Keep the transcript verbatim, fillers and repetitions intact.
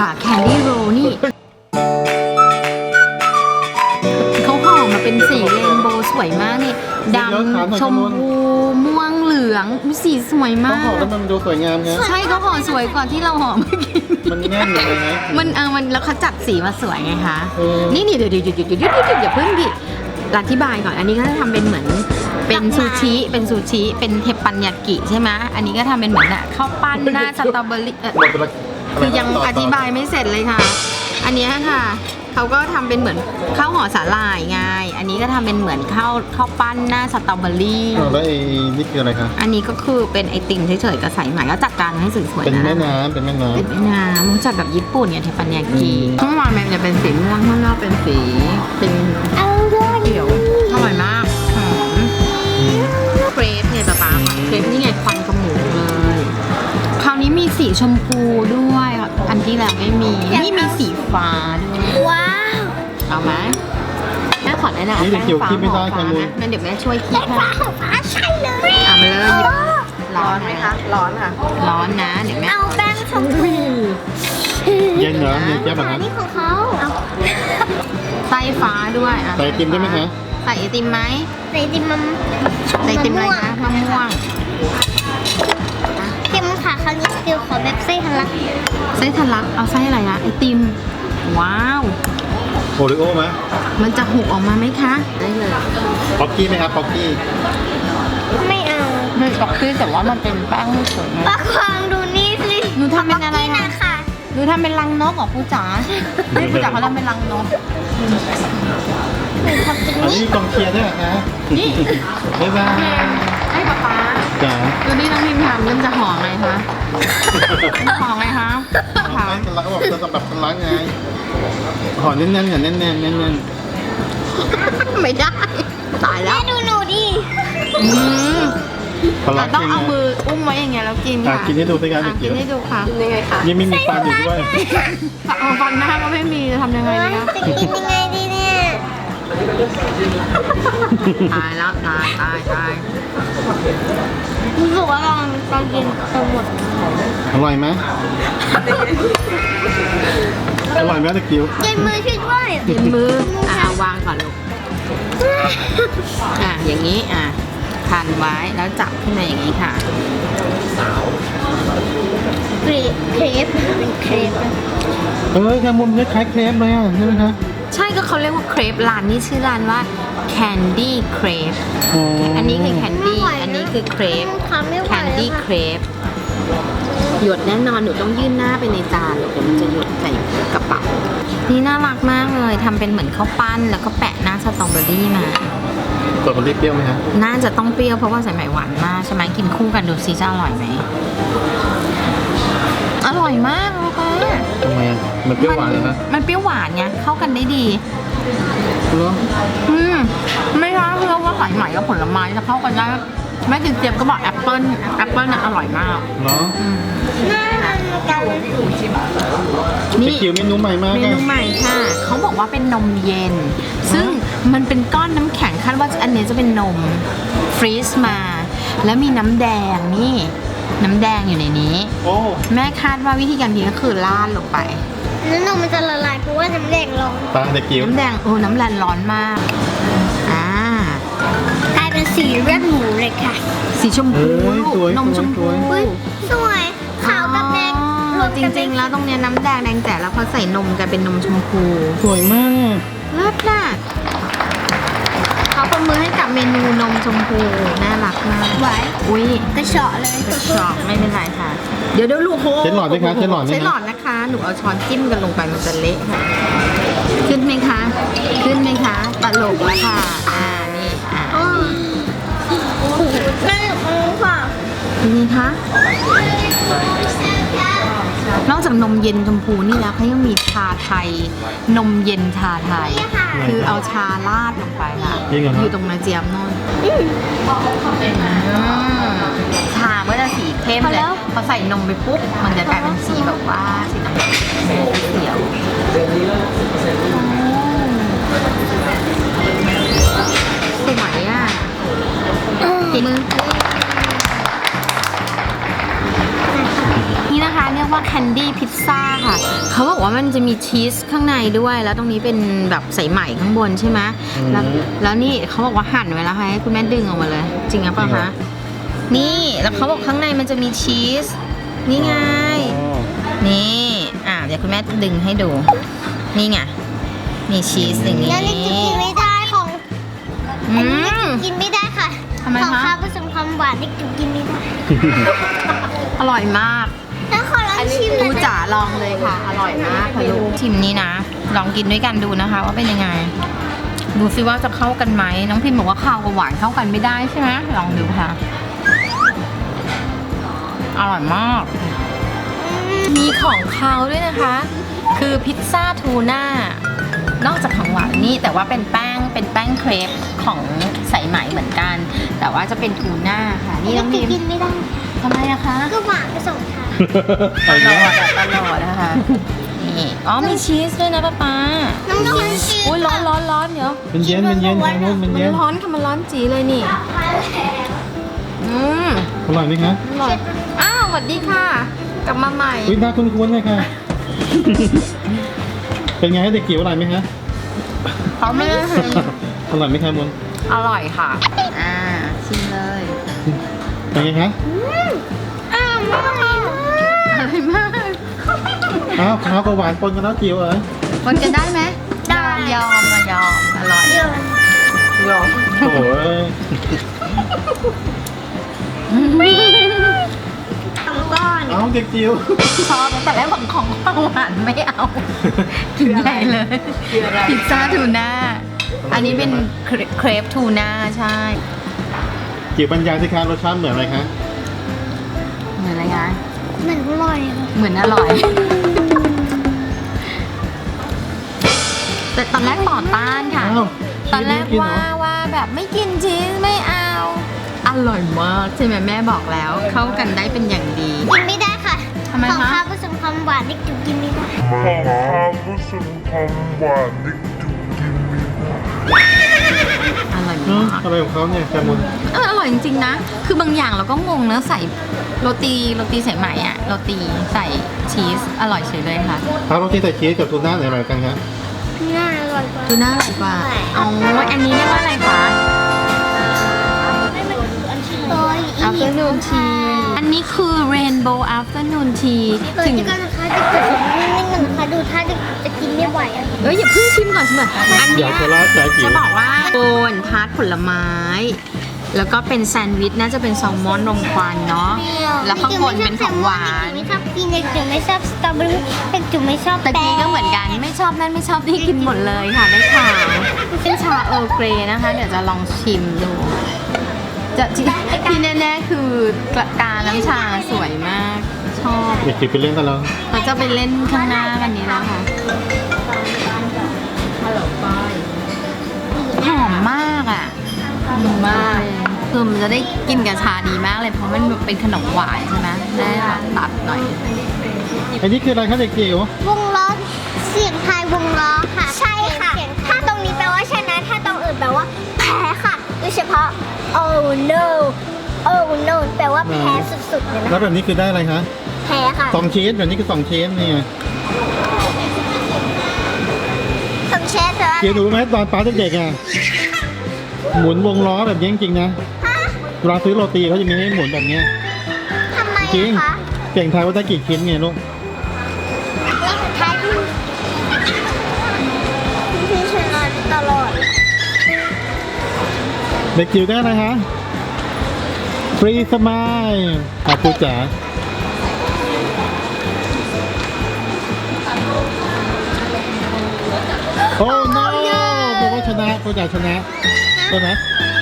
ค่ะแคนดี้โรลนี่เขาห่อมาเป็นสีเรนโบว์สวยมากนี่ดำชมพูม่วงเหลืองสีสวยมาเขาห่อก แล้วมันดูสวยงามไงใช่เขาห่อสวยกว่าที่เราห่อเมื่อกี้มันแน่นเลยนะมันเออมันแล้วเขาจัดสีมาสวยไงคะเออนี่นี่เดี๋ยวเดี๋ยวหยุดหยุดหยุดหยุดหยุดหยุดอย่าเพิ่งดิอธิบายก่อนอันนี้ก็จะทำเป็นเหมือนเป็นซูชิเป็นซูชิเป็นเทปปันยากิใช่ไหมอันนี้ก็ทำเป็นเหมือนอะข้าวปั้นหน้าสตรอเบอรี่เอ่อหมดไปละคือยังอธิบายไม่เสร็จเลยค่ะ อันเนี้ยค่ะเขาก็ทำเป็นเหมือนข้าวห่อสาหร่ายไงอันนี้ก็ทำเป็นเหมือนข้าวข้าวปั้นหน้าสตรอเบอรี่อ้าวแล้วไอ้นี่คืออะไรคะอันนี้ก็คือเป็นไอติมเฉยๆกับใส่ใหม่ก็จัดการให้สวยๆนะเป็นแม่น้ำเป็นแม่น้ำเป็นแม่น้ำมันจัดแบบญี่ปุ่นเนี่ยเทปปันยากิอืมข้างในมันจะเป็นสีม่วงข้างนอกเป็นสีเป็นเอาด้วยเขียวอร่อยมากหอมอืมเครปเนี่ยป๊าป๊าเครปนี่ไงควันกระหมูเลยคราวนี้มีสีชมพูด้วยอันที่แล้วไม่มีนี่มีสีฟ้าด้วยว้าวเอาไหมแม่ขอแนะนำนี่เด็กเกี่ยวคิดไม่ได้ฟ้าค่ะลูกงั้นเดี๋ยวแม่ช่วยคิดให้ฟ้าของฟ้าใช่เลยเอามาเลยหยิบร้อนไหมคะร้อนค่ะร้อนนะเดี๋ยวแม่เอาแป้งชมพูเย็นเหรอเย็นแก้วแบบอันั้น นนี้ของเขาเอาไส้ฟ้าด้วยอ่ะใส่ไอติมได้ไหมคะใส่ไอติมไหมใส่ดิมมันใส่ไอติมอะไรคะมะม่วงเค็มค่ะคราวนี้เดี๋ยวขอแบบไส้ทะลักไส้ทะลักเอาไส้อะไรนะไอติมว้าวโอริโอ้ไหมมันจะหกออกมาไหมคะได้เลยป๊อกกี้ไหมครับป๊อกกี้ไม่เอาไม่ตอกคือแต่ว่ามันเป็นแป้งไม่สวยประคองดูนี่สิหนูทำเป็นอะไรนี่นะนะคะหนูทำเป็นรังนกเหรอผู้จ๋าไม่ผู้จ๋าเขาทำเป็นรังนกหนูทำเป็นอันนี่นี้กองเชียร์ด้วยเหรอคะนี่บ๊ายบายให้ป๊าป๊าจ๋าดูนี่น้องพิมทำเริ่มจะห่อไงคะห่อไงคะทำไมกันแล้วก็บอกจะสำหรับคนรักไงห่อแน่นๆอย่าแน่นๆแน่นไม่ได้ตายแล้แม่วดูหนูดิอืมๆคนรัเรากต้องจริงเอานะมืออุ้มไว้อย่างเงี้ยแล้วกินอ่ะค่ะกินให้ดูสิครับอ่ะเด็กิกนให้ดูค่ะยังไงคะๆยังไม่มีฟันอยู่ด้วยเอาฟันหน้าก็ไม่มีจะทำยังไงว่าดีคะจะกินยังไงดีเนี่ยตายแล้วตายตายตายรู้สึกว่าลองลองกินจนหมดอร่อยไหมอร่อยไหมตะกิ้วเย็นมือช่วยด้วยเย็นมืออ่ะเอาวางก่อนลูกอ่ะอย่างนี้อ่ะพันไว้แล้วจับขึ้นมาอย่างนี้ค่ะเครปเครปเป็นเครปนะเอ้ยแคมุมคล้ายๆเครปเลยอ่ะใช่ไหมคะใช่ก็เขาเรียกว่าเครปร้านนี้ชื่อร้านว่า Candy Crepe อ๋ออัอันนี้คือ Candy อันนี้คือเครปทำไม่ไหว Candy แล้วค่ะ Crepe หยดแน่นอนหนูต้องยื่นหน้าไปในจานเดี๋ยวมันจะหยดใส่กระเป๋านี่น่ารักมากเลยทำเป็นเหมือนข้าวปั้นแล้วก็แปะหน้าสตรอเบอรี่มาสตรอเบอรี่เปรี้ยวไหมคะน่าจะต้องเปรี้ยวเพราะว่าใส่ไหมหวานมากใช่ไหมกินคู่กันดูซิจะอร่อยไหมอร่อยมากเลยค่ะทำไมอ่ะมันเปรี้ยวหวานเลยนะมันเปรี้ยวหวานไงเข้ากันได้ดีเหรออืมไม่ใช่เพื่อว่าสายไหมกับผลไม้จะเข้ากันได้แม่กินเจี๊ยบก็บอกแอปเปิ้ลแอปเปิ้ลน่ะอร่อยมากเนาะน่าทำกันตะกิ้วเมนูใหม่มากเมอ่ะนูใหม่ค่ะ เขาบอกว่าเป็นนมเย็น ซึ่งมันเป็นก้อนน้ำแข็งคาดว่าอันนี้จะเป็นนมฟรีซมา แล้วมีน้ำแดงนี่ น้ำแดงอยู่ในนี้โอ้แม่คาดว่าวิธีการกินก็คือราดลงไปแล้วนมมันจะละลายเพราะว่าน้ำแดงร้อนตาตะกิ้วน้ำแดงโอ้น้ำแดงร้อนมาก อ่ากลายเป็นสีเลือดหมูเลยค่ะสีชมเอพูอลูกสวยนมชมสพูวยอุ้ยสวยขาวกับแดงรวมจกันริงๆ แล้วตรงเนี้ยน้ำแดงแดงแต่แล้วพอใส่นมกันเป็นนมชมพูสวยมากเลิศน่ะเขาประมือให้กับเมนูนมชมพูน่ารักมากไหวอุ้ยกระเฉาะเลยกระชอกไม่เป็นไรค่ะ เดี๋ยวเดี๋ยวลูกโฮใช้หลอดไหมคะใช้หลอดไหมคะใช้หลอดนะคะ หนูเอาช้อนจิ้มกันลงไปมันจะเละค่ะ ขึ้นไหมคะ ขึ้นไหมคะตลกแล้วค่ะ อ่านี่อ่าอ๋อแม่หนูค่ะนี่คะ นอกจากนมเย็นชมพูนี่แล้วเขายังมีชาไทย นมเย็นชาไทย คือเอาชาราดลงไปค่ะจริงเหรออครับยู่ตรงนาเจียมโน่นชาก็จะสีเข้มเลยพอใส่นมไปปุ๊บ มันจะกลายเป็นสีแบบว่าสีน้ำตาลเขียวสวยอ่ะกินมือนี่นะคะเรียกว่าว่าแคนดี้พิซซ่าค่ะเขาบอกว่ามันจะมีชีสข้างในด้วยแล้วตรงนี้เป็นแบบใส่ไหมข้างบนใช่ไหมแล้วแล้วนี่เขาบอกว่าหั่นไว้แล้วให้คุณแม่ดึงออกมาเลยจริงหรือเปล่าคะนี่แล้วเขาบอกข้างในมันจะมีชีสนี่ไงอ๋อนี่อ่ะเดี๋ยวคุณแม่ดึงให้ดูนี่ไงมีชีสอย่างนี้แล้วนี่จะกินไม่ได้ของอือันนี้มกินไม่ได้ค่ะทำไมคะของข้าวผสมความหวานนี่กินไม่ได้อร่อยมากแล้วขอลองชิมหน่ดูอยนะจ๋าลองเลยค่ะ อร่อยมากค่ะลูกชิมนี้นะ ลองกินด้วยกันดูนะคะ ว่าเป็นยังไง ดูซิว่าจะเข้ากันไหมน้องพิมบอกว่าข้าวกับหวานเข้ากันไม่ได้ใช่ไหมลองดูค่ะ อร่อยมาก มีของเขาด้วยนะคะ คือพิซซ่าทูน่านอกจากของหวานนี่แต่ว่าเป็นแป้งเป็นแป้งเครปของสายไหมเหมือนกัน แต่ว่าจะเป็นทูน่าค่ะนี่น้องพิมกินไม่ได้ทำไมอะคะก็หวานผสมค่ะไปตลแล้อวดอะตลอดนะคะ นี่ อ๋อมีชีสด้วยนะป้าป๊าน้องกินชีสอุ้ยร้อนร้อนร้อนเดี๋ยวมันเย็นมันเย็นแคมุนมันมันเย็นร้อนค่ะมันร้อนจีเลยนี่ อืมอร่อยไหมคะอร่อยอ้าวสวัสดีค่ะ กลับมาใหม่อุ้ยน่าคุ้นๆเลยค่ะ เป็นไงเด็กจิ๋วอร่อยไหมคะเขาไม่ได้ให้อร่อยไหมคะมุนอร่อยค่ะ อ่า ชิมเลยเป็นไงคะอ้าวไม่ต้องกินอร่อยมากอ้าวข้าวกับหวานปนกันแล้วจิ๋วเอ๋ยคนกันได้ไหมได้ยอมมายอม อร่อยเดี๋ยวยอมโอ้โหสองก้อนเอาเด็กจิ๋วชอบแต่แรกของของข้าวหวานไม่เอา กินใหญ่เลย พิซซ่าทูน่า อันนี้เป็นเครเครปทูน่าใช่จิ๋วบรรยายสิคะรสชาติเหมือนอะไรคะเหมือนอะไรคะเหมือนอร่อยค่ะเหมือนอร่อย แต่ตอนแรกต่อต้านค่ะอ้าวตอนแรกชีสว่าไม่นเหรอว่าแบบไม่กินชีสไม่เอา อร่อยมากใช่ไหมแม่บอกแล้ว เข้ากันได้เป็นอย่างดีกินไม่ได้ค่ะทำไมคะของข้าวผสมความหวานนี่กินไม่ได้ของข้าวผสมความหวานนี่จุกกินไม่ได้อร่อยเอ้ามากอะไรของเขาเนี่ยแคมุนเอออร่อยจริงๆนะ คือบางอย่างเราก็งงนะใส่โรตีโรตีใส่ไหมอะโรตีใส่ชีสอร่อยเฉยเลยค่ะเอาโรตีใส่ชีสกับทูน่าไหนอร่อยกันคะน่าอร่อยกว่าทูน่าอร่อยกว่าอ๋ออันนี้เรียกว่าอะไรคะโอ้ยอีก afternoon tea อันนี้คือ rainbow afternoon tea เกิดถึงจะกันนะคะจะเกิดนิดนึงนะคะดูถ้าจะจะกินไม่ไหวอะเอ้ยอย่าเพิ่งชิมก่อนชิมก่อนอันอเนี้ยาย กโคราชสายจิ๋จะวบอกว่าโกนพาร์ทผลไม้ แล้วก็เป็นแซนด์วิชน่าจะเป็นแซลมอนรมควันเนาะ แล้วข้างบนเป็นของหวานไม่ชอบกินเด็กจุ๋มไม่ชอบสตรอเบอรี่เด็กจุ๋มไม่ชอบตะกี้ก็เหมือนกันไม่ชอบนั่นไม่ชอบนี่กินหมดเลยค่ะได้ข่าวเป็นชาเออร์เกรย์นะคะ เดี๋ยวจะลองชิมดู จะที่ที่แน่ๆคือกระกาน้ำชาสวยมาก ชอบเด็กจิ๋วไปเล่นกันแล้วเราจะไปเล่นข้างหน้ากันนี้แล้วค่ะฮัลโหลก้อยหอมมากอ่ะหอมมากคือมันจะได้กินกับชาดีมากเลยเพราะมันเป็นขนมหวานใช่ไหมได้แบบตัดหน่อยอันนี้คืออะไรคะเด็กจิ๋ววงล้อเสียงทายวงล้อค่ะ ใช่ค่ะ ถ้าตรงนี้แปลว่าชนะ ถ้าตรงอื่นแปลว่าแพ้ค่ะโดยเฉพาะ oh no oh no แปลว่าแพ้สุดๆเลยนะแล้วแบบนี้คือได้อะไรคะแพ้ค่ะสองชีสแบบนี้คือสองชีสนี่ไงสมเชฟแปลว่าจิ๋วรู้ไหมตอนป้าเด็กๆอ่ะหมุนวงล้อแบบนี้จริงๆนะฮะเวลาซื้อโรตีเขาจะมีให้หมุนแบบเนี้ยทำไมจริงอะคะเก่งไทายว่าได้กี่ชิ้นไงลูกนี่สุดท้ายที่ที่ชนะตลอดเด็กจิ๋วได้อะไรคะฟรีสมายอาปูจ๋าโอ้ no บอกว่าชนะปูจ๋าชนะใช่ไหม